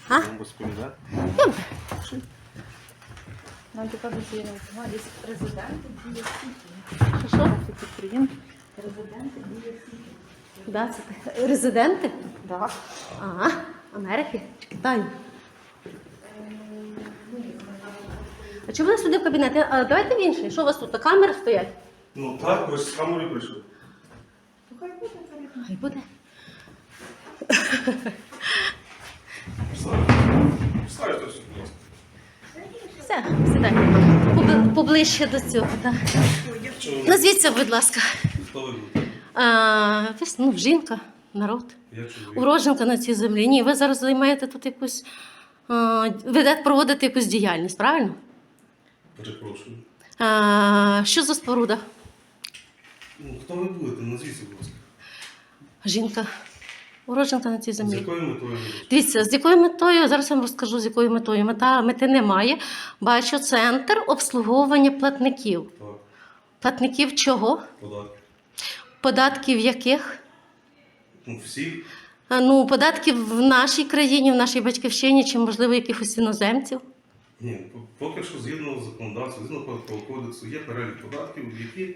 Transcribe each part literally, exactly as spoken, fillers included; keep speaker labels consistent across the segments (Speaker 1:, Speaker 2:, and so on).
Speaker 1: А?
Speaker 2: Вам розповідати?
Speaker 1: Добре.
Speaker 3: Нам така є резиденти біля сіті.
Speaker 1: Що, що?
Speaker 3: Підприємці. Резиденти біля сіті.
Speaker 1: Да, це ти- резиденти?
Speaker 3: Так.
Speaker 1: Ага. Америки чи Китаю? А чому ви сюди в кабінет? А, давайте в інший. Що у вас тут? Камери стоять?
Speaker 2: Ну так, ви ж з камери прийшли.
Speaker 3: Ну, хай буде це.
Speaker 1: Хай буде.
Speaker 2: Вставайте все, будь ласка.
Speaker 1: Все, сідай. Побли- Поближче до цього, так.
Speaker 2: Чого ви?
Speaker 1: Назвіться, будь ласка.
Speaker 2: Хто ви будете?
Speaker 1: А, ви, ну, жінка, народ.
Speaker 2: Я чоловік.
Speaker 1: Уродженка на цій землі. Ні, ви зараз займаєте тут якусь, а, ведете проводити якусь діяльність, правильно?
Speaker 2: Перепрошую.
Speaker 1: А, що за споруда?
Speaker 2: Ну, хто ви будете? Назвіться, будь ласка.
Speaker 1: Жінка. Уродженка на цій
Speaker 2: З
Speaker 1: землі.
Speaker 2: якою метою ви будете?
Speaker 1: Дивіться, з якою метою, зараз я вам розкажу, з якою метою. Мета, мети немає. Бачу, центр обслуговування платників.
Speaker 2: Так,
Speaker 1: Платників чого?
Speaker 2: податки.
Speaker 1: Податків яких?
Speaker 2: Ну, всі.
Speaker 1: А, Ну, податків в нашій країні, в нашій батьківщині, чи, можливо, якихось іноземців.
Speaker 2: Ні, по- поки що згідно законодавства, згідно податкового кодексу, є перелік податків, які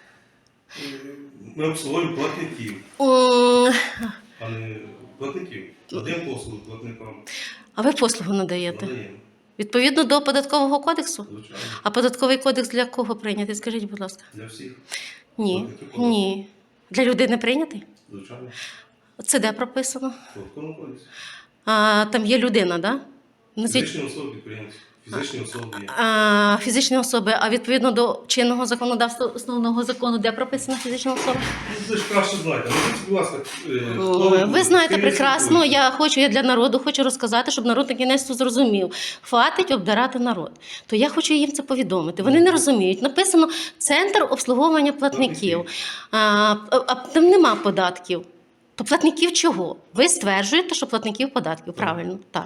Speaker 2: е, ми обслуговуємо платників,
Speaker 1: М,
Speaker 2: а не платників. Надаємо послуги платникам.
Speaker 1: А ви послугу надаєте?
Speaker 2: Надаємо,
Speaker 1: Відповідно до податкового кодексу?
Speaker 2: звичайно.
Speaker 1: А податковий кодекс для кого прийнятий? Скажіть, будь ласка.
Speaker 2: Для всіх,
Speaker 1: Ні.
Speaker 2: Платників податків.
Speaker 1: Ні. Для людини прийнятий?
Speaker 2: звичайно.
Speaker 1: Це де прописано?
Speaker 2: В податковому кодексі.
Speaker 1: А, там є людина, так? Да? Назвіть-
Speaker 2: Фізичні особи підприємці, фізичні особи є.
Speaker 1: А, фізичні особи, а відповідно до чинного законодавства основного закону, де прописана фізична особа?
Speaker 2: Ну, ви ж краще знаєте. Ну, будь ласка, е, хто
Speaker 1: Ой, ви
Speaker 2: будете?
Speaker 1: знаєте
Speaker 2: Ким
Speaker 1: прекрасно,
Speaker 2: спілкуєтесь?
Speaker 1: я хочу, я для народу хочу розказати, щоб народ на кінець зрозумів. Хватить обдирати народ. То я хочу їм це повідомити. Вони не розуміють. Написано Центр обслуговування платників. А, а, а там нема податків. То платників чого? Ви стверджуєте, що платників податків. Правильно, так.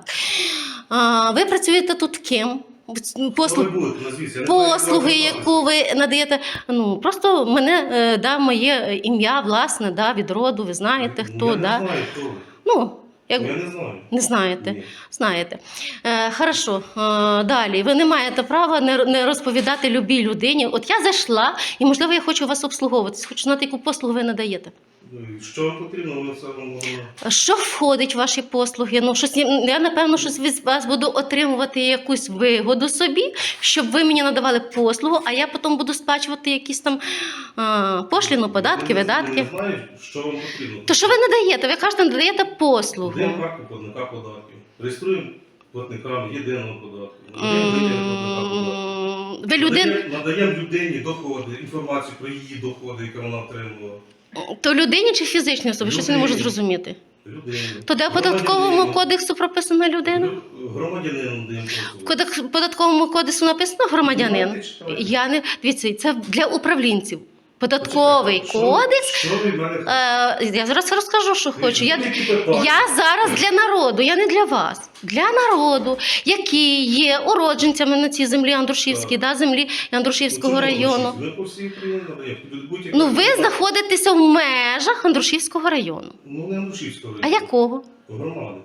Speaker 1: А, ви працюєте тут ким? Послуг...
Speaker 2: Хто ви будете? Назвіться. Я не знаю, як
Speaker 1: Послуги,
Speaker 2: вас звати.
Speaker 1: яку ви надаєте, ну просто мене е, да, моє ім'я, власне, да, від роду, ви знаєте, хто.
Speaker 2: Я
Speaker 1: да.
Speaker 2: не знаю, хто ви.
Speaker 1: Ну, як...
Speaker 2: Я не знаю.
Speaker 1: Не знаєте?
Speaker 2: Ні.
Speaker 1: Знаєте. Е, хорошо. Е, далі. Ви не маєте права не, не розповідати любій людині. От я зайшла, і, можливо, я хочу вас обслуговуватись. Хочу знати, яку послугу ви надаєте.
Speaker 2: Ну, і Що вам потрібно, ми все вам можемо.
Speaker 1: Що входить в ваші послуги? Ну, щось, я, напевно, щось від вас буду отримувати якусь вигоду собі, щоб ви мені надавали послугу, а я потім буду сплачувати якісь там а, пошліну, податки,
Speaker 2: Я не-
Speaker 1: видатки.
Speaker 2: Не знаю, що вам потрібно.
Speaker 1: То що ви надаєте? Ви кажете, надаєте послугу.
Speaker 2: Даємо карту платника податків. Реєструємо платникам єдиного податку. Надаємо людині платника податків.
Speaker 1: М, Ви людин...
Speaker 2: Надаємо- Надаємо людині доходи, інформацію про її доходи, які вона отримувала.
Speaker 1: То людині чи фізичній особі? Щось я не можу
Speaker 2: Людині.
Speaker 1: зрозуміти.
Speaker 2: Людині.
Speaker 1: То де в податковому
Speaker 2: Громадянину.
Speaker 1: кодексу прописана людина?
Speaker 2: Лю- Громадянину надаємо
Speaker 1: В
Speaker 2: послуги.
Speaker 1: кодек- податковому кодексу написано громадянин.
Speaker 2: Давайте читайте.
Speaker 1: Я не дивіться, це для управлінців. Податковий
Speaker 2: Почекайте,
Speaker 1: кодекс.
Speaker 2: Що, що ви в мене
Speaker 1: Е, я зараз розкажу, що хочу. Я,
Speaker 2: Які питання?
Speaker 1: я зараз для народу, я не для вас. Для народу, які є уродженцями на цій землі Андрушівській, да, землі Андрушівського
Speaker 2: Ну, чому
Speaker 1: району.
Speaker 2: Ми по всій Україні надаємо. Будь-яка
Speaker 1: Ну, ви
Speaker 2: питання.
Speaker 1: знаходитеся в межах Андрушівського району.
Speaker 2: Ну, не Андрушівського
Speaker 1: А
Speaker 2: району.
Speaker 1: якого?
Speaker 2: Громади.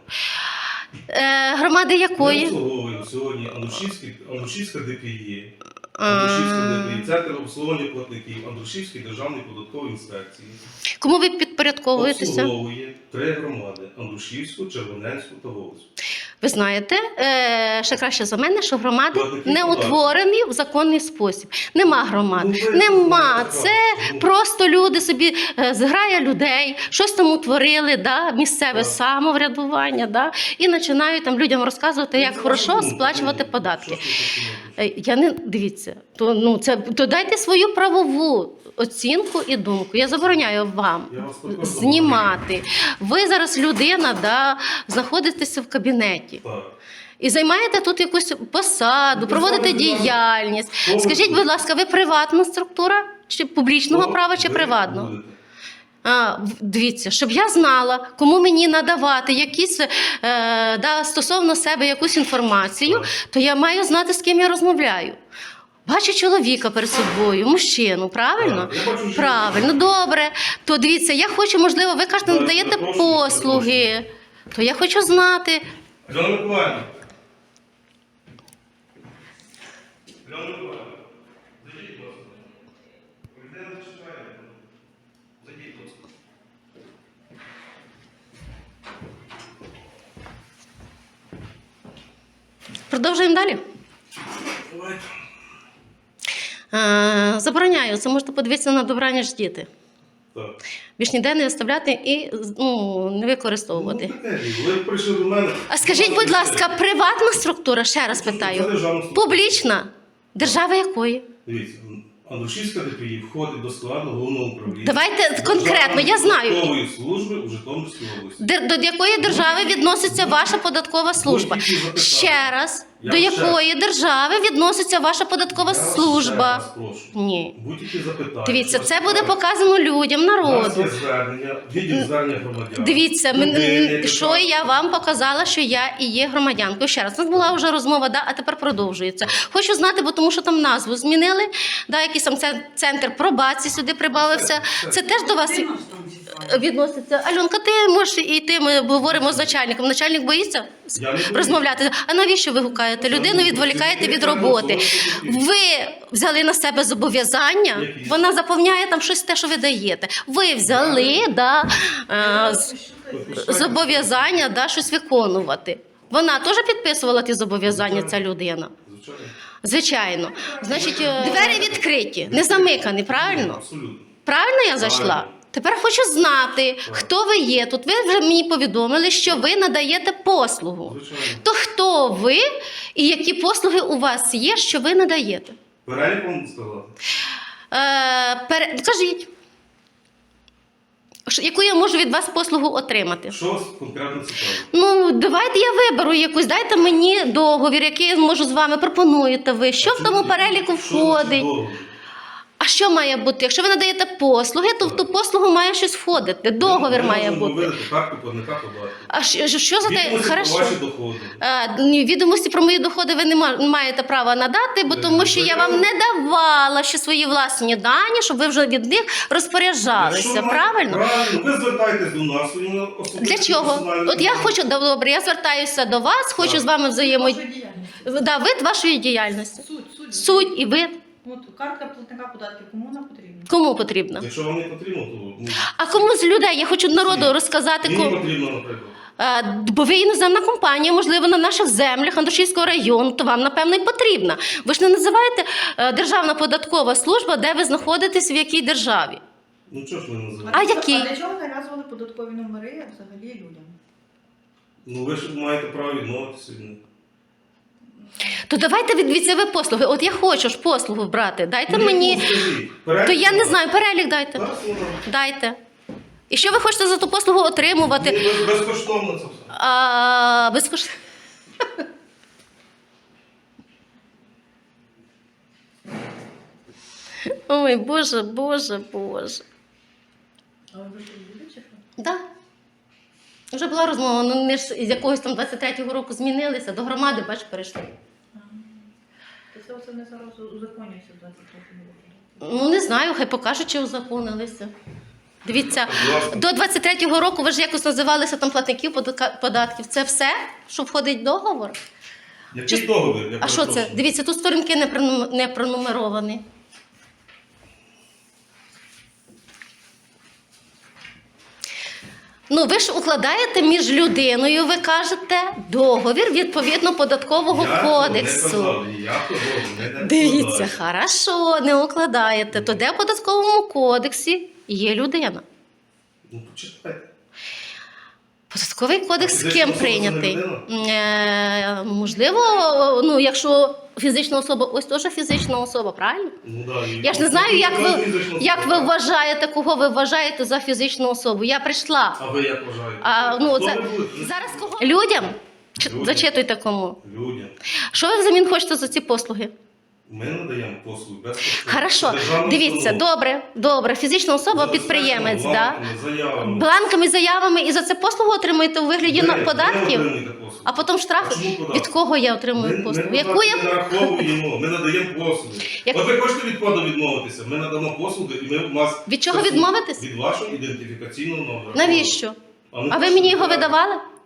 Speaker 1: Е, громади
Speaker 2: Ми
Speaker 1: якої?
Speaker 2: обслуговуємо сьогодні Андрушівський, Андрушівська ДПІ,
Speaker 1: А.
Speaker 2: Андрушівська ДПІ, Центр обслуговування платників, Андрушівський державний податковий інспекції.
Speaker 1: Кому ви підпорядковуєтеся?
Speaker 2: Обслуговує три громади – Андрушівську, Червоненську та Волоську.
Speaker 1: Ви знаєте, е, ще краще за мене, що громади
Speaker 2: Платники
Speaker 1: не
Speaker 2: податків.
Speaker 1: утворені в законний спосіб. Нема громад.
Speaker 2: Ну, ви
Speaker 1: Нема.
Speaker 2: знаєте,
Speaker 1: Це
Speaker 2: ну.
Speaker 1: просто люди собі, е, зграя людей, щось там утворили, да, місцеве
Speaker 2: Так.
Speaker 1: самоврядування, да, і починають там людям розказувати, як
Speaker 2: Ну,
Speaker 1: хорошо
Speaker 2: ну,
Speaker 1: сплачувати
Speaker 2: ну,
Speaker 1: податки.
Speaker 2: що ж ви таке?
Speaker 1: Е, Я не дивіться, то ну це то дайте свою правову оцінку і думку. Я забороняю вам
Speaker 2: Я вас також
Speaker 1: знімати. Ви зараз людина, да, знаходитеся в кабінеті.
Speaker 2: Так.
Speaker 1: І займаєте тут якусь посаду,
Speaker 2: Ну,
Speaker 1: проводите
Speaker 2: ви знаєте,
Speaker 1: діяльність.
Speaker 2: хто ви
Speaker 1: Скажіть,
Speaker 2: будете?
Speaker 1: будь ласка, ви приватна структура? Чи публічного
Speaker 2: Хто
Speaker 1: права, чи
Speaker 2: ви
Speaker 1: приватного?
Speaker 2: будете?
Speaker 1: А, в- дивіться, щоб я знала, кому мені надавати якісь е, да, стосовно себе якусь інформацію,
Speaker 2: Так.
Speaker 1: то я маю знати, з ким я розмовляю. Бачу чоловіка перед собою, мужчину, правильно?
Speaker 2: Так, я бачу жінку.
Speaker 1: Правильно, добре. То дивіться, я хочу, можливо, ви кажете,
Speaker 2: Так,
Speaker 1: надаєте
Speaker 2: перепрошую,
Speaker 1: послуги. То я хочу знати.
Speaker 2: Альона Миколаївна. Альона Миколаївна. Зайдіть, будь ласка. Людина зачекає. Зайдіть, будь ласка.
Speaker 1: Продовжуємо далі.
Speaker 2: Давайте.
Speaker 1: Е, Забороняю, це можете подивитися на добраніч діти.
Speaker 2: Так.
Speaker 1: Більш ніде не виставляти і ну, не використовувати.
Speaker 2: Ну, таке, ви прийшли до мене.
Speaker 1: А скажіть, будь ласка, приватна структура, ще раз
Speaker 2: Це
Speaker 1: питаю.
Speaker 2: державна структура.
Speaker 1: Публічна? Держава якої?
Speaker 2: Дивіться, Андрушівська ДПІ входить до складу головного управління.
Speaker 1: Давайте конкретно, я знаю.
Speaker 2: Державної служби у Житомирській області.
Speaker 1: Де- До якої держави відноситься ваша податкова служба?
Speaker 2: Будь-які запитання.
Speaker 1: Ще раз,
Speaker 2: Я
Speaker 1: до
Speaker 2: ще-
Speaker 1: якої держави відноситься ваша податкова
Speaker 2: Я вас ще
Speaker 1: служба?
Speaker 2: раз прошу.
Speaker 1: Ні.
Speaker 2: Будь-які запитання.
Speaker 1: Дивіться,
Speaker 2: Вас
Speaker 1: це буде
Speaker 2: цікавить.
Speaker 1: показано людям,
Speaker 2: У нас
Speaker 1: народу.
Speaker 2: є звернення, відділ звернення громадян.
Speaker 1: Дивіться,
Speaker 2: Людини,
Speaker 1: мен-
Speaker 2: яка-
Speaker 1: що я вам показала, що я і є громадянкою. Ще раз, у нас була вже розмова, да, а тепер продовжується. Хочу знати, бо тому що там назву змінили, да, якийсь там це- центр пробації сюди прибавився. Це теж до вас відноситься. Альонка, ти можеш йти, ми говоримо з начальником. Начальник боїться
Speaker 2: Я не боюсь.
Speaker 1: розмовляти. А навіщо ви гукаєте людину, відволікаєте від роботи? Ви взяли на себе зобов'язання,
Speaker 2: Які?
Speaker 1: вона заповняє там щось те, що ви даєте. Ви взяли, да, е, з- зобов'язання, да, щось виконувати. Вона теж підписувала ті зобов'язання, ця людина.
Speaker 2: Звичайно.
Speaker 1: Звичайно. Значить, е, двері відкриті, не замикані, правильно?
Speaker 2: Абсолютно.
Speaker 1: Правильно я зайшла?
Speaker 2: Правильно.
Speaker 1: Тепер хочу знати, хто ви є. Тут ви вже мені повідомили, що ви надаєте послугу.
Speaker 2: Звичайно.
Speaker 1: То хто ви і які послуги у вас є, що ви надаєте?
Speaker 2: Перелік вам сказати?
Speaker 1: Е, пере... Кажіть, Що- яку я можу від вас послугу отримати?
Speaker 2: Що вас конкретно цікавить?
Speaker 1: Ну, давайте я виберу якусь, дайте мені договір, який я можу з вами пропонуєте ви. Що в тому переліку
Speaker 2: Що значить
Speaker 1: входить?
Speaker 2: договір?
Speaker 1: А що має бути? Якщо ви надаєте послуги, то в ту послугу має щось входити. Договір
Speaker 2: Ми
Speaker 1: має
Speaker 2: можемо
Speaker 1: бути.
Speaker 2: видати карту платника податків.
Speaker 1: А що, що за те?
Speaker 2: Відомості про
Speaker 1: Хорошо.
Speaker 2: ваші доходи.
Speaker 1: Е, ні, Відомості про мої доходи ви не ма- не маєте права надати, бо
Speaker 2: Ви
Speaker 1: тому що я вам
Speaker 2: заявили.
Speaker 1: не давала ще свої власні дані, щоб ви вже від них
Speaker 2: Якщо
Speaker 1: розпоряджалися.
Speaker 2: ви маєте-
Speaker 1: Правильно?
Speaker 2: Правильно. Ви звертаєтесь до нас своїми особистими
Speaker 1: Для чого?
Speaker 2: персональними
Speaker 1: От я
Speaker 2: даними.
Speaker 1: хочу, добре, я звертаюся до вас, хочу
Speaker 2: Так.
Speaker 1: з вами взаємодіяти.
Speaker 3: Ваша діяльність.
Speaker 1: Да, вид вашої діяльності.
Speaker 3: Суть, суть.
Speaker 1: Суть і вид.
Speaker 3: От картка платника податків, кому вона потрібна?
Speaker 1: Кому потрібно?
Speaker 2: Якщо вам не потрібно, то ну,
Speaker 1: А кому з людей? Я хочу народу
Speaker 2: Ні.
Speaker 1: розказати.
Speaker 2: мені
Speaker 1: Кому.
Speaker 2: потрібно, наприклад.
Speaker 1: Е, Бо ви іноземна компанія, можливо, на наших землях Андрушівського району, то вам, напевно, і потрібна. Ви ж не називаєте е, Державна податкова служба, де ви знаходитесь, в якій державі.
Speaker 2: Ну чого ж ви називаєте?
Speaker 1: А які?
Speaker 3: А для чого нав'язували податкові номери взагалі людям?
Speaker 2: Ну ви ж маєте право відмовитися від них.
Speaker 1: То давайте від від себе послуги. От я хочу ж послугу брати. Дайте
Speaker 2: Ну,
Speaker 1: мені.
Speaker 2: яку скажіть? Перелік
Speaker 1: То я не
Speaker 2: вам?
Speaker 1: знаю, перелік дайте.
Speaker 2: Зараз воно.
Speaker 1: Дайте. І що ви хочете за ту послугу
Speaker 2: Ну,
Speaker 1: отримувати?
Speaker 2: без- безкоштовно це все.
Speaker 1: А, безкоштовно. Ой, Боже, Боже, Боже.
Speaker 3: А ви вже люди чи що?
Speaker 1: Да. Вже була розмова, ну не ж з якогось там двадцять третього року змінилися, до громади, бач, перейшли.
Speaker 3: То це оце не зараз узаконюється в двадцять третьому році.
Speaker 1: Ну, не знаю, хай покажуть, чи узаконилися. Дивіться,
Speaker 2: Будь ласка.
Speaker 1: до двадцять третього року ви ж якось називалися там платників податка- податків. Це все, що входить в договор?
Speaker 2: Який
Speaker 1: Чи-
Speaker 2: договір? Я
Speaker 1: А що це?
Speaker 2: перепрошую?
Speaker 1: Дивіться, тут сторінки не пронум- не пронумеровані. Ну, ви ж укладаєте між людиною, ви кажете, договір відповідно податкового
Speaker 2: Я цього
Speaker 1: кодексу.
Speaker 2: Не казав, ніякого договору не
Speaker 1: Дивіться,
Speaker 2: складаю.
Speaker 1: хорошо, не укладаєте. То де в податковому кодексі є людина?
Speaker 2: Ну почитайте.
Speaker 1: Податковий кодекс з
Speaker 2: А
Speaker 1: ким
Speaker 2: фізична особа це не
Speaker 1: прийнятий? Е, можливо, ну якщо фізична особа, ось теж фізична особа, правильно?
Speaker 2: Ну, да, і-
Speaker 1: Я ж не знаю, як ви,
Speaker 2: Фізична
Speaker 1: як ви
Speaker 2: особа.
Speaker 1: вважаєте, кого ви вважаєте за фізичну особу. Я прийшла.
Speaker 2: А ви як вважаєте?
Speaker 1: А, ну,
Speaker 2: Хто
Speaker 1: це,
Speaker 2: ви будете?
Speaker 1: зараз кого? Людям? Чи-
Speaker 2: Людям.
Speaker 1: Зачитуйте кому.
Speaker 2: Людям.
Speaker 1: Що ви взамін хочете за ці послуги?
Speaker 2: Ми надаємо послуги безкоштовно.
Speaker 1: Хорошо,
Speaker 2: Державна
Speaker 1: дивіться,
Speaker 2: установа.
Speaker 1: добре, добре. Фізична особа,
Speaker 2: За
Speaker 1: підприємець,
Speaker 2: бланками,
Speaker 1: да?
Speaker 2: заявами.
Speaker 1: Бланками, заявами і за це послугу отримуєте у вигляді
Speaker 2: Ви-
Speaker 1: на-
Speaker 2: ви
Speaker 1: податків,
Speaker 2: отримуєте послуги.
Speaker 1: а потім штрафи.
Speaker 2: А чому податки?
Speaker 1: Від кого я
Speaker 2: Ми,
Speaker 1: отримую
Speaker 2: ми
Speaker 1: послугу?
Speaker 2: податки
Speaker 1: Яку я
Speaker 2: не нараховуємо, ми надаємо послуги.
Speaker 1: Як-
Speaker 2: От ви хочете від коду відмовитися, ми надамо послуги і ми вас...
Speaker 1: Від чого відмовитись?
Speaker 2: Від вашого ідентифікаційного номера.
Speaker 1: Навіщо?
Speaker 2: А, ми
Speaker 1: А ви
Speaker 2: хочемо
Speaker 1: мені його
Speaker 2: подати.
Speaker 1: видавали?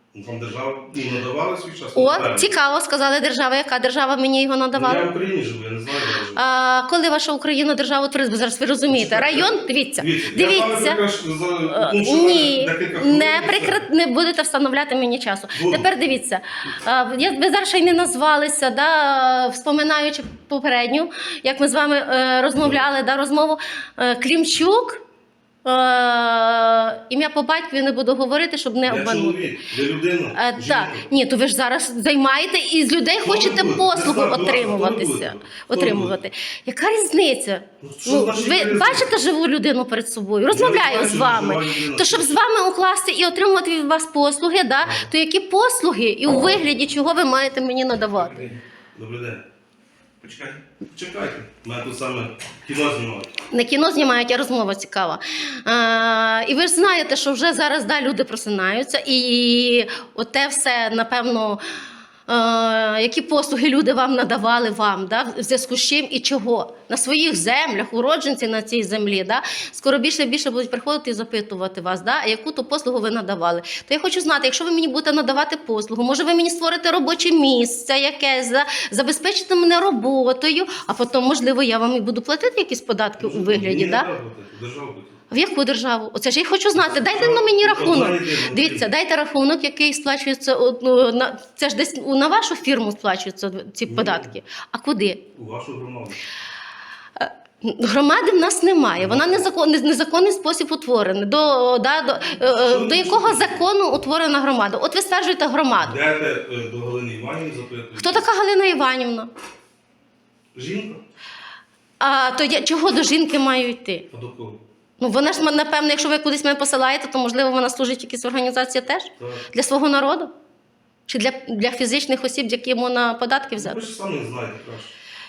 Speaker 2: Ну, Вам держава ну, надавала свій час?
Speaker 1: О,
Speaker 2: Правильно.
Speaker 1: цікаво, сказали держава, яка держава мені його
Speaker 2: Ну,
Speaker 1: надавала.
Speaker 2: Я в Україні живу, я не знаю, де я живу.
Speaker 1: А, коли ваша Україна держава утворилась, бо зараз ви розумієте,
Speaker 2: Почекайте.
Speaker 1: район, дивіться,
Speaker 2: Дивіться, я
Speaker 1: дивіться.
Speaker 2: пам'ятаю, що за-
Speaker 1: Е,
Speaker 2: ну, що
Speaker 1: Ні,
Speaker 2: декілька хвилин
Speaker 1: не
Speaker 2: і все.
Speaker 1: прикра... не будете встановляти мені часу.
Speaker 2: Буду.
Speaker 1: Тепер дивіться, а, я- ви зараз ще й не назвалися, да, вспоминаючи попередню, як ми з вами е, розмовляли, да, розмову. Е, Клімчук, е, ім'я по батькові не буду говорити, щоб не
Speaker 2: Я
Speaker 1: обманути.
Speaker 2: чоловік, я людина,
Speaker 1: Е,
Speaker 2: жінка.
Speaker 1: так, ні, то ви ж зараз займаєте і з людей
Speaker 2: Хто ви
Speaker 1: хочете
Speaker 2: будете?
Speaker 1: послугу
Speaker 2: Не знаю, хто ви
Speaker 1: отримуватися.
Speaker 2: будете? Хто ви
Speaker 1: Отримувати. Яка різниця?
Speaker 2: Ну, що
Speaker 1: Ну,
Speaker 2: значить
Speaker 1: ви
Speaker 2: різниця?
Speaker 1: бачите живу людину перед собою, розмовляю
Speaker 2: бачу
Speaker 1: з вами.
Speaker 2: живу людину.
Speaker 1: То щоб з вами укласти і отримувати від вас послуги, да, то які послуги і у вигляді чого ви маєте мені надавати?
Speaker 2: Добрий день. Почекайте. Почекайте. У мене тут саме кіно знімають.
Speaker 1: Не кіно знімають, а розмова цікава. А, і ви ж знаєте, що вже зараз да, люди просинаються, і оте все, напевно, е, які послуги люди вам надавали вам, да, в зв'язку з чим і чого. На своїх землях, уродженці на цій землі, да, скоро більше і більше будуть приходити і запитувати вас, да, яку ту послугу ви надавали. То я хочу знати, якщо ви мені будете надавати послугу, може ви мені створите робоче місце якесь, да, забезпечите мене роботою, а потім, можливо, я вам і буду платити якісь податки у вигляді.
Speaker 2: Мені не
Speaker 1: Да?
Speaker 2: треба платити, держава платить.
Speaker 1: В яку державу? Оце ж я хочу знати. Дайте на мені рахунок. Дивіться, дайте рахунок, який сплачується. от, ну, на- Це ж десь на вашу фірму сплачуються ці
Speaker 2: Ні.
Speaker 1: податки. А куди?
Speaker 2: У вашу громаду.
Speaker 1: Громади в нас немає. Вона незакон, незаконний спосіб утворена. До, да, до, е, до якого закону утворена громада? От ви стверджуєте громаду.
Speaker 2: Йдете е, до Галини Іванівни, запитуєте.
Speaker 1: Хто така Галина Іванівна?
Speaker 2: Жінка?
Speaker 1: А то я чого до жінки маю йти?
Speaker 2: А до кого?
Speaker 1: Ну вона ж напевно, якщо ви кудись мене посилаєте, то можливо вона служить в якійсь організації теж
Speaker 2: Так.
Speaker 1: для свого народу? Чи для, для фізичних осіб, які можна податки
Speaker 2: Ви
Speaker 1: взяти?
Speaker 2: ж самі знаєте краще.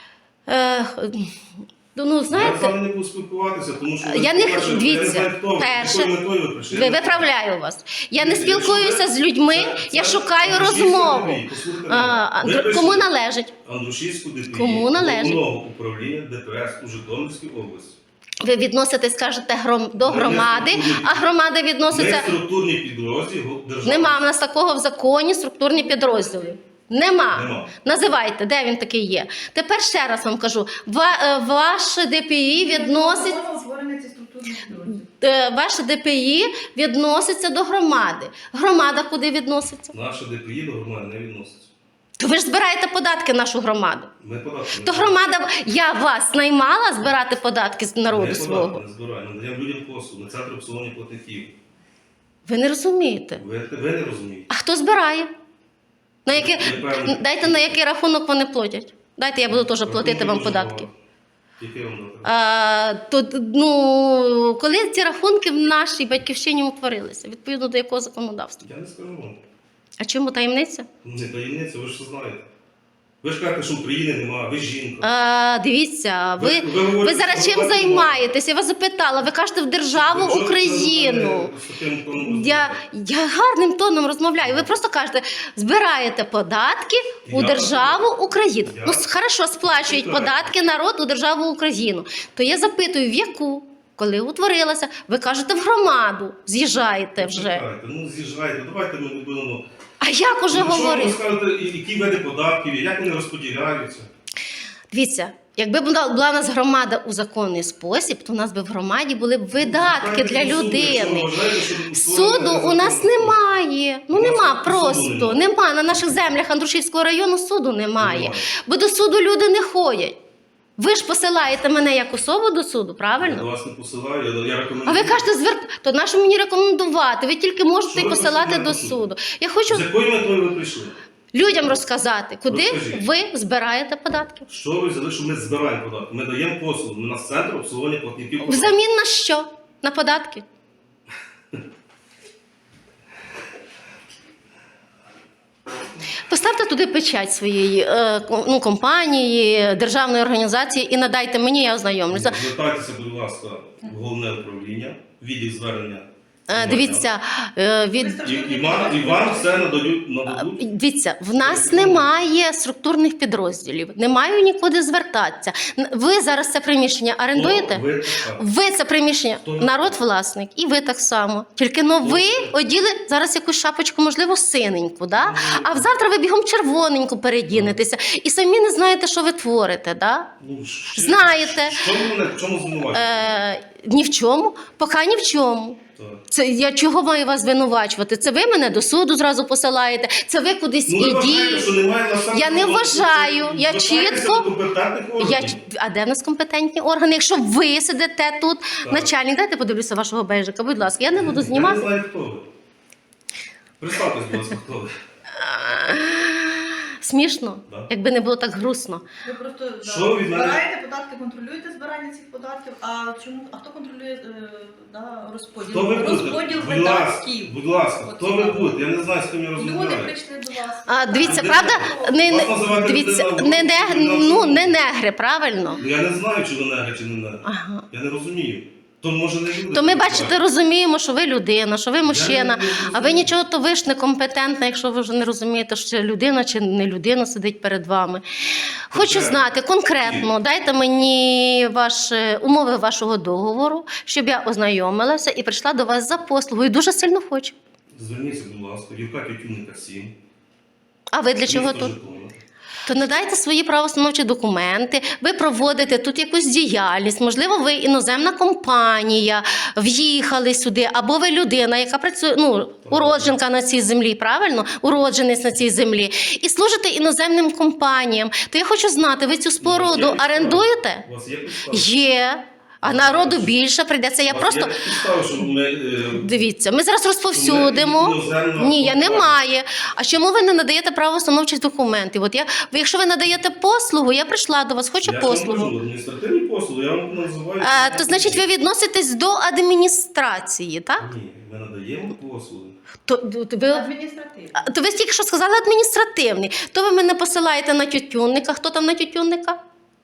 Speaker 1: Е, ну,
Speaker 2: Я з
Speaker 1: знаєте,
Speaker 2: вами не буду спілкуватися, тому що ви,
Speaker 1: Я не-
Speaker 2: по-перше,
Speaker 1: дивіться,
Speaker 2: я не знаю, хто ви,
Speaker 1: перше,
Speaker 2: якою метою ви прийшли.
Speaker 1: ви виправляю вас. Я не
Speaker 2: Якщо ви-
Speaker 1: спілкуюся з людьми,
Speaker 2: це-
Speaker 1: я
Speaker 2: це
Speaker 1: шукаю
Speaker 2: Андрушівська
Speaker 1: розмову.
Speaker 2: ДПІ, послухайте
Speaker 1: А,
Speaker 2: мене.
Speaker 1: Андр-
Speaker 2: Ви
Speaker 1: Кому
Speaker 2: прийшли
Speaker 1: належить?
Speaker 2: Андрушівську ДПІ,
Speaker 1: Кому належить?
Speaker 2: Головного управління ДПС у Житомирській області.
Speaker 1: Ви відноситесь, кажете, гром, до
Speaker 2: Ми не
Speaker 1: громади,
Speaker 2: структурні-
Speaker 1: а громада
Speaker 2: Ми
Speaker 1: відноситься.
Speaker 2: структурні підрозділи держави.
Speaker 1: Нема в нас такого в законі структурні підрозділи. Нема.
Speaker 2: Нема.
Speaker 1: Називайте, де він такий є. Тепер ще раз вам кажу: ва- е, ваше ДПІ відносить.
Speaker 3: Воно утворене ці структурні підрозділи.
Speaker 1: е, Ваше ДПІ відноситься до громади. Громада куди відноситься?
Speaker 2: Наша ДПІ до громади не відноситься.
Speaker 1: То ви ж збираєте податки нашу громаду.
Speaker 2: Ми податки не
Speaker 1: То громада, я вас наймала збирати податки з народу
Speaker 2: Ми
Speaker 1: свого.
Speaker 2: податки не збираємо, надаємо людям послуг, на центр обслуговування платників.
Speaker 1: Ви не розумієте.
Speaker 2: Ви, ви не розумієте.
Speaker 1: А хто збирає? На який,
Speaker 2: Непевно.
Speaker 1: дайте на який рахунок вони платять. Дайте, я буду теж платити вам
Speaker 2: Рахунки
Speaker 1: податки.
Speaker 2: дуже багато. Які вам дати?
Speaker 1: А, то, ну, коли ці рахунки в нашій батьківщині утворилися? Відповідно до якого законодавства?
Speaker 2: Я не скажу вам.
Speaker 1: А чому таємниця?
Speaker 2: Не таємниця, ви ж все знаєте. Ви ж кажете, що України немає, ви жінка.
Speaker 1: А, дивіться, ви,
Speaker 2: Ви- ви
Speaker 1: ви,
Speaker 2: говорите,
Speaker 1: зараз
Speaker 2: що
Speaker 1: чим
Speaker 2: ви
Speaker 1: займаєтесь? Я вас запитала, ви кажете в державу
Speaker 2: Ви чого
Speaker 1: Україну.
Speaker 2: це з таким тоном
Speaker 1: Я,
Speaker 2: розмовляєте?
Speaker 1: я гарним тоном розмовляю. Ви просто кажете, збираєте податки у
Speaker 2: Я
Speaker 1: державу Україну.
Speaker 2: Я-
Speaker 1: Ну, с- хорошо, сплачують
Speaker 2: Чекайте.
Speaker 1: податки народ у державу Україну. То я запитую, в яку? Коли утворилася? Ви кажете, в громаду. З'їжджаєте вже.
Speaker 2: Чекайте, ну з'їжджайте, давайте ми не будемо.
Speaker 1: А як уже
Speaker 2: Ну, що ви
Speaker 1: говорити?
Speaker 2: скажете, і- які види податків, є, як вони розподіляються?
Speaker 1: Дивіться, якби була була у нас громада у законний спосіб, то у нас би в громаді були б видатки для
Speaker 2: Звертайтеся до суду, якщо
Speaker 1: людини.
Speaker 2: вважаєте, що
Speaker 1: Суду у нас немає. Ну
Speaker 2: У нас
Speaker 1: нема
Speaker 2: суду
Speaker 1: просто.
Speaker 2: немає.
Speaker 1: Нема. На наших землях Андрушівського району суду немає.
Speaker 2: Немає.
Speaker 1: Бо до суду люди не ходять. Ви ж посилаєте мене як особу до суду,
Speaker 2: Я до
Speaker 1: правильно?
Speaker 2: вас не посилаю, я, я рекомендую.
Speaker 1: А ви кажете, зверт... то нащо мені рекомендувати? Ви тільки можете
Speaker 2: Що ви
Speaker 1: посилати
Speaker 2: посилаєте
Speaker 1: до
Speaker 2: до суду?
Speaker 1: суду. Я хочу
Speaker 2: З якою метою ви прийшли?
Speaker 1: людям розказати, куди
Speaker 2: Розкажіть.
Speaker 1: ви збираєте податки.
Speaker 2: Що ви взяли, що ми збираємо податки? Ми даємо послугу, ми на центр обслуговування платників. податків.
Speaker 1: Взамін на що? На податки? Поставте туди печать своєї е, ко- ну, компанії, державної організації і надайте мені, я ознайомлюся.
Speaker 2: Звертайтеся, будь ласка, в головне управління, відділ звернення.
Speaker 1: Е, Дивіться, е, від
Speaker 2: І, і, вам, і вам все нададуть, нададуть.
Speaker 1: Дивіться, в нас немає структурних підрозділів, немає нікуди звертатися. Н- Ви зараз це приміщення орендуєте?
Speaker 2: Ну, ви така.
Speaker 1: Ви це приміщення,
Speaker 2: Хто не
Speaker 1: народ власник, і ви так само. Тільки но ви оділи зараз якусь шапочку, можливо, синеньку, да? А завтра ви бігом червоненьку передінетеся і самі не знаєте, що ви творите. Да?
Speaker 2: Ну, ще-
Speaker 1: Знаєте.
Speaker 2: Що ви мене, в чому звинувачуєте?
Speaker 1: Е, ні в чому, поки ні в чому.
Speaker 2: Так.
Speaker 1: Це я чого маю вас звинувачувати? Це ви мене до суду зразу посилаєте, це ви кудись
Speaker 2: Ну, ви вважаєте,
Speaker 1: ідіть.
Speaker 2: що немає насамперед...
Speaker 1: Я не вважаю, я
Speaker 2: Звертайтеся
Speaker 1: чітко-
Speaker 2: до компетентних
Speaker 1: Я,
Speaker 2: органів.
Speaker 1: ч- а де в нас компетентні органи? Якщо ви сидите тут, начальник, дайте подивлюся вашого бейжика, будь ласка, я не буду
Speaker 2: Я не
Speaker 1: знімати.
Speaker 2: знаю, хто ви. Представтесь, будь ласка, хто ви.
Speaker 1: Смішно,
Speaker 2: Да.
Speaker 1: якби не було так грустно.
Speaker 3: Ви просто да,
Speaker 2: Що ви від мене-
Speaker 3: збираєте податки, контролюєте збирання цих податків, а чому а хто контролює е, да, розподіл?
Speaker 2: Хто ви будете?
Speaker 3: Розподіл
Speaker 2: Будь ласка,
Speaker 3: видатків.
Speaker 2: будь ласка,
Speaker 3: От
Speaker 2: хто
Speaker 3: це
Speaker 2: ви
Speaker 3: так.
Speaker 2: будете? Я не знаю, з ким я
Speaker 3: Люди
Speaker 2: розмовляю.
Speaker 3: прийшли до вас.
Speaker 1: А, дивіться,
Speaker 2: де
Speaker 1: правда, не,
Speaker 2: Вас
Speaker 1: не,
Speaker 2: називати
Speaker 1: дивіться,
Speaker 2: людина,
Speaker 1: не, не,
Speaker 2: людина
Speaker 1: ну,
Speaker 2: особа.
Speaker 1: не негри, правильно?
Speaker 2: Ну, я не знаю, чи ви негри, чи не негри.
Speaker 1: Ага.
Speaker 2: Я не розумію. То може не люди.
Speaker 1: То ми,
Speaker 2: так
Speaker 1: бачите,
Speaker 2: бачать.
Speaker 1: розуміємо, що ви людина, що ви мужчина,
Speaker 2: не
Speaker 1: а ви нічого, то ви ж некомпетентна, якщо ви вже не розумієте, що це людина чи не людина сидить перед вами. Хочу
Speaker 2: Конкретно.
Speaker 1: знати конкретно, дайте мені ваш, е, умови вашого договору, щоб я ознайомилася і прийшла до вас за послугою. Дуже сильно хочу.
Speaker 2: Зверніться, будь ласка, Юрка Тютюнника сім.
Speaker 1: А ви для чого
Speaker 2: місто
Speaker 1: тут?
Speaker 2: Житомир.
Speaker 1: То надайте свої правоустановчі документи, ви проводите тут якусь діяльність, можливо, ви іноземна компанія, в'їхали сюди, або ви людина, яка працює, ну, уродженка на цій землі, правильно? Уродженець на цій землі. І служите іноземним компаніям. То я хочу знати, ви цю споруду
Speaker 2: Є підстави?
Speaker 1: орендуєте?
Speaker 2: У вас є підстави?
Speaker 1: Є. А народу більше прийдеться. Я
Speaker 2: У вас
Speaker 1: просто...
Speaker 2: є підстави, що ми... е,
Speaker 1: Дивіться, ми зараз розповсюдимо.
Speaker 2: Іноземна
Speaker 1: Ні, я
Speaker 2: компанія.
Speaker 1: немає. А чому ви не надаєте правоустановчих документів? От я, ви, якщо ви надаєте послугу, я прийшла до вас, хочу
Speaker 2: Я ж вам
Speaker 1: послугу.
Speaker 2: кажу, адміністративні послуги, я вам називаю...
Speaker 1: А, то значить, ви відноситесь до адміністрації, так?
Speaker 2: Ні, ми надаємо послуги.
Speaker 1: То, то, ви,
Speaker 3: Адміністративно.
Speaker 1: а, то ви тільки що сказали адміністративний. То ви мене посилаєте на тютюнника. Хто там на тютюнника?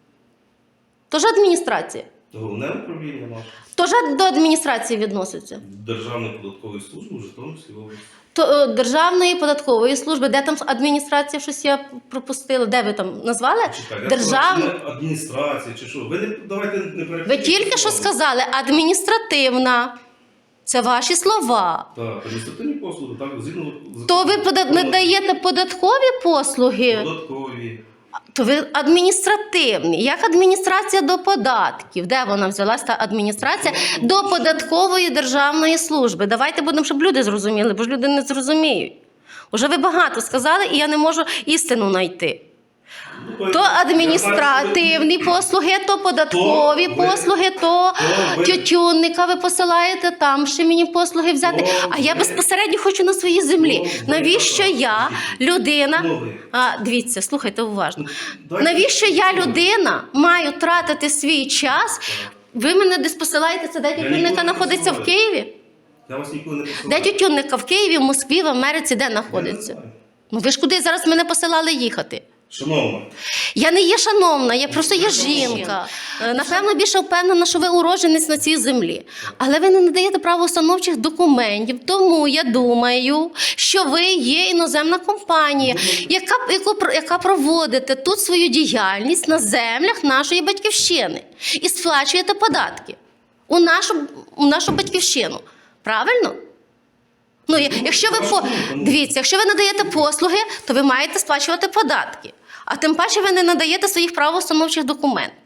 Speaker 1: Тож адміністрація.
Speaker 2: То головне управління наше.
Speaker 1: Тож до адміністрації відноситься.
Speaker 2: Державної податкової служби в Житомирській області.
Speaker 1: То е, Державної податкової служби, де там адміністрація, щось я пропустила, де ви там назвали?
Speaker 2: Чекайте,
Speaker 1: Державна.
Speaker 2: я сказав, адміністрація чи що? Ви не давайте не
Speaker 1: Ви
Speaker 2: перепутайте
Speaker 1: тільки що
Speaker 2: слова.
Speaker 1: сказали адміністративна. Це ваші слова.
Speaker 2: Так, адміністративні послуги, так, згідно
Speaker 1: То ви пода- надаєте податкові послуги,
Speaker 2: податкові.
Speaker 1: то ви адміністративні. Як адміністрація до податків? Де вона взялась та адміністрація до податкової державної служби? Давайте будемо, щоб люди зрозуміли, бо ж люди не зрозуміють. Уже ви багато сказали, і я не можу істину знайти.
Speaker 2: Ну,
Speaker 1: То
Speaker 2: я бачу,
Speaker 1: адміністративні послуги, то податкові
Speaker 2: То ви-
Speaker 1: послуги, то
Speaker 2: то ви-
Speaker 1: тютюнника ви посилаєте, там ще мені послуги взяти.
Speaker 2: То
Speaker 1: А я
Speaker 2: ви-
Speaker 1: безпосередньо хочу на своїй землі.
Speaker 2: То ви-
Speaker 1: Навіщо я, людина?
Speaker 2: То ви.
Speaker 1: А, дивіться, слухайте уважно.
Speaker 2: Дайте-
Speaker 1: Навіщо я, людина, маю тратити свій час? Ви мене десь посилаєте, це де
Speaker 2: ніколи
Speaker 1: тютюнника
Speaker 2: не
Speaker 1: знаходиться в
Speaker 2: посилаю.
Speaker 1: Києві?
Speaker 2: Я вас ніколи не
Speaker 1: Де
Speaker 2: посилаю.
Speaker 1: тютюнника? В Києві, в Москві, в Америці, де
Speaker 2: Я не
Speaker 1: знаходиться?
Speaker 2: знаю.
Speaker 1: Ну ви ж куди зараз мене посилали їхати?
Speaker 2: Шановна,
Speaker 1: Я не є шановна, я просто є жінка. Е, Напевно, більше впевнена, що ви уродженець на цій землі. Але ви не надаєте правоустановчих документів, тому я думаю, що ви є іноземна компанія, яка, яку, про- яка проводите тут свою діяльність на землях нашої батьківщини і сплачуєте податки у нашу, у нашу батьківщину. Правильно? Ну, я- якщо ви по... Дивіться, якщо ви надаєте послуги, то ви маєте сплачувати податки. А тим паче ви не надаєте своїх правоустановчих документів.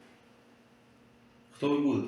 Speaker 2: хто ви будете?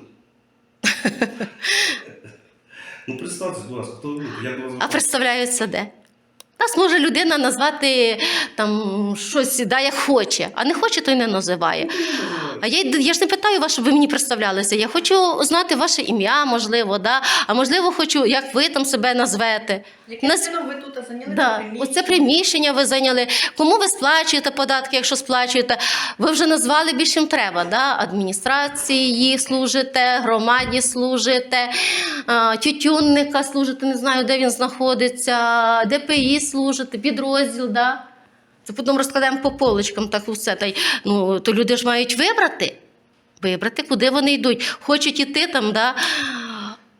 Speaker 2: Ну, представтесь, будь ласка, хто ви будете? Як вас
Speaker 1: А
Speaker 2: звати?
Speaker 1: представляються де? Нас може людина назвати там щось, да, як хоче, а не хоче, то й не називає. А я, й- я ж не питаю вас, щоб ви мені представлялися. Я хочу знати ваше ім'я, можливо, да? А можливо, хочу, як ви там себе назвете.
Speaker 3: Яким
Speaker 1: Нас-
Speaker 3: чином ви тут зайняли
Speaker 1: Да,
Speaker 3: приміщення?
Speaker 1: оце приміщення ви зайняли. Кому ви сплачуєте податки, якщо сплачуєте? Ви вже назвали більш чим треба. Да? Адміністрації служите, громаді служите, а, тютюнника служите, не знаю, де він знаходиться, ДПІ служите, підрозділ. Да? Це потім розкладаємо по полочкам, так усе. Та й, ну, то люди ж мають вибрати, вибрати, куди вони йдуть. Хочуть іти там, да?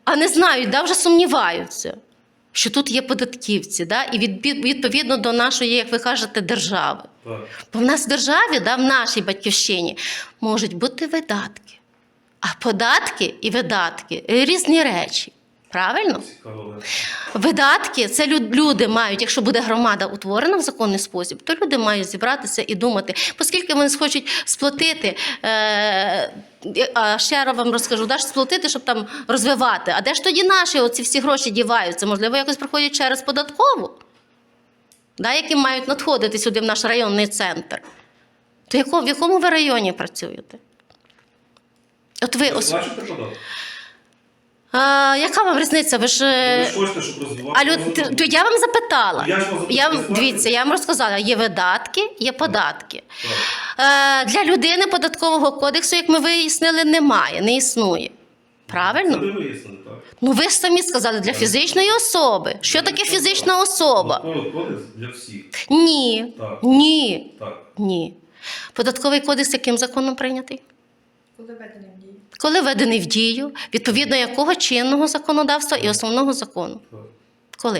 Speaker 1: а не знають, да, вже сумніваються, що тут є податківці, да, і від, відповідно до нашої, як ви кажете, держави.
Speaker 2: Так.
Speaker 1: Бо в нас в державі, да, в нашій батьківщині, можуть бути видатки. А податки і видатки – різні речі. Правильно?
Speaker 2: Цікаво.
Speaker 1: Видатки – це люд- люди мають, якщо буде громада утворена в законний спосіб, то люди мають зібратися і думати, оскільки вони схочуть сплатити, е- а ще раз вам розкажу, да, ж сплатити, щоб там розвивати. А де ж тоді наші оці всі гроші діваються? Можливо, якось проходять через податкову, да, які мають надходити сюди в наш районний центр. То яко, в якому ви районі працюєте? От ви,
Speaker 2: Ви
Speaker 1: ос...
Speaker 2: плачете податки?
Speaker 1: а, яка вам різниця? Ви ж... е,
Speaker 2: Ви ж хочете, щоб розвивати?
Speaker 1: А люд... то я вам запитала.
Speaker 2: Я ж вас
Speaker 1: Я вам,
Speaker 2: запитав.
Speaker 1: дивіться, я вам розказала, є видатки, є податки.
Speaker 2: Так.
Speaker 1: Е, для людини податкового кодексу, як ми вияснили, немає, не існує.
Speaker 2: Це
Speaker 1: Правильно?
Speaker 2: ви вияснили, так?
Speaker 1: Ну ви ж самі сказали, для фізичної особи. Що таке фізична особа?
Speaker 2: Податковий кодекс для всіх.
Speaker 1: Ні,
Speaker 2: Так.
Speaker 1: ні,
Speaker 2: Так.
Speaker 1: ні. Податковий кодекс яким законом прийнятий?
Speaker 3: Коли введений в дію.
Speaker 1: Коли введений в дію, відповідно якого чинного законодавства і основного закону?
Speaker 2: Так.
Speaker 1: Коли?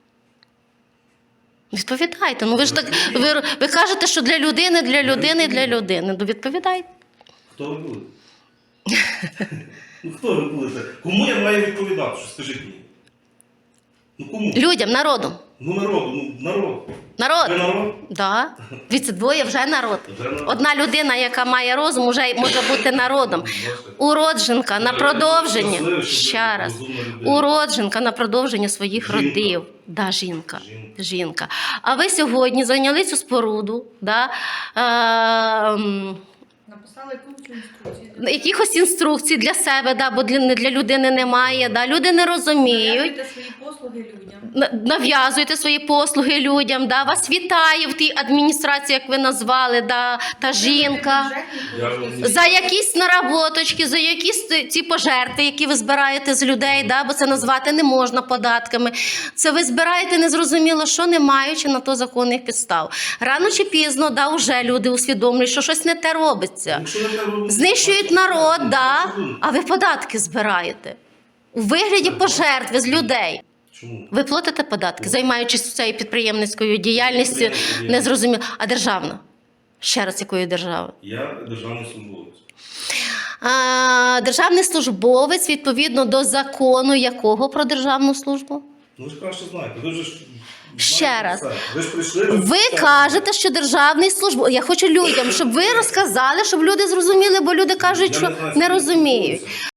Speaker 1: Відповідайте. Ну ви ж так, ви, ви кажете, що для людини, для людини, для людини. Ну відповідайте.
Speaker 2: Хто ви будете? Ну хто ви будете? Кому я маю відповідати? Що скажіть мені? Ну кому?
Speaker 1: Людям, народу.
Speaker 2: Ну народу, ну народ. Ви
Speaker 1: Народ.
Speaker 2: народ?
Speaker 1: Да. Від двоє вже народ.
Speaker 2: Вже народ.
Speaker 1: Одна людина, яка має розум, вже може бути народом.
Speaker 2: Бачите?
Speaker 1: Уродженка на продовження.
Speaker 2: Щасливо, що ви
Speaker 1: Ще раз.
Speaker 2: розумна людина.
Speaker 1: Уродженка на продовження своїх
Speaker 2: Жінка.
Speaker 1: родів. Да, жінка.
Speaker 2: Жінка.
Speaker 1: Жінка. А ви сьогодні зайняли цю споруду, да, е, м,
Speaker 3: Написали якусь інструкцію.
Speaker 1: якихось інструкцій для себе, да, бо для, для людини немає. Да, люди не розуміють.
Speaker 3: Нав'язуйте свої послуги людям.
Speaker 1: На- Нав'язуєте свої послуги людям, да, вас вітає в тій адміністрації, як ви назвали, да, та жінка.
Speaker 2: Я вам не-
Speaker 1: За якісь наработочки, за якісь ті- ті пожерти, які ви збираєте з людей, да, бо це назвати не можна податками. Це ви збираєте незрозуміло, що не маючи на то законних підстав. Рано чи пізно, да, вже люди усвідомлюють, що щось не те робиться.
Speaker 2: Якщо ви так робите,
Speaker 1: Знищують
Speaker 2: бачите,
Speaker 1: народ,
Speaker 2: ну,
Speaker 1: да,
Speaker 2: що ви?
Speaker 1: а ви податки збираєте. У вигляді пожертви з людей.
Speaker 2: Чому?
Speaker 1: Ви платите податки, займаючись цією підприємницькою діяльністю,
Speaker 2: Підприємницькою
Speaker 1: незрозуміло. А державна? Ще раз, якої держави?
Speaker 2: Я державний службовець.
Speaker 1: А, державний службовець відповідно до закону якого про державну службу?
Speaker 2: Ну ви ж краще знаєте. Ви ж знаєте
Speaker 1: Ще раз.
Speaker 2: все. Ви ж прийшли.
Speaker 1: Ви
Speaker 2: все.
Speaker 1: кажете, що державний службовець. Я хочу людям, щоб ви розказали, щоб люди зрозуміли, бо люди кажуть,
Speaker 2: Я
Speaker 1: що
Speaker 2: знаю,
Speaker 1: не
Speaker 2: що
Speaker 1: розуміють.
Speaker 2: службовця.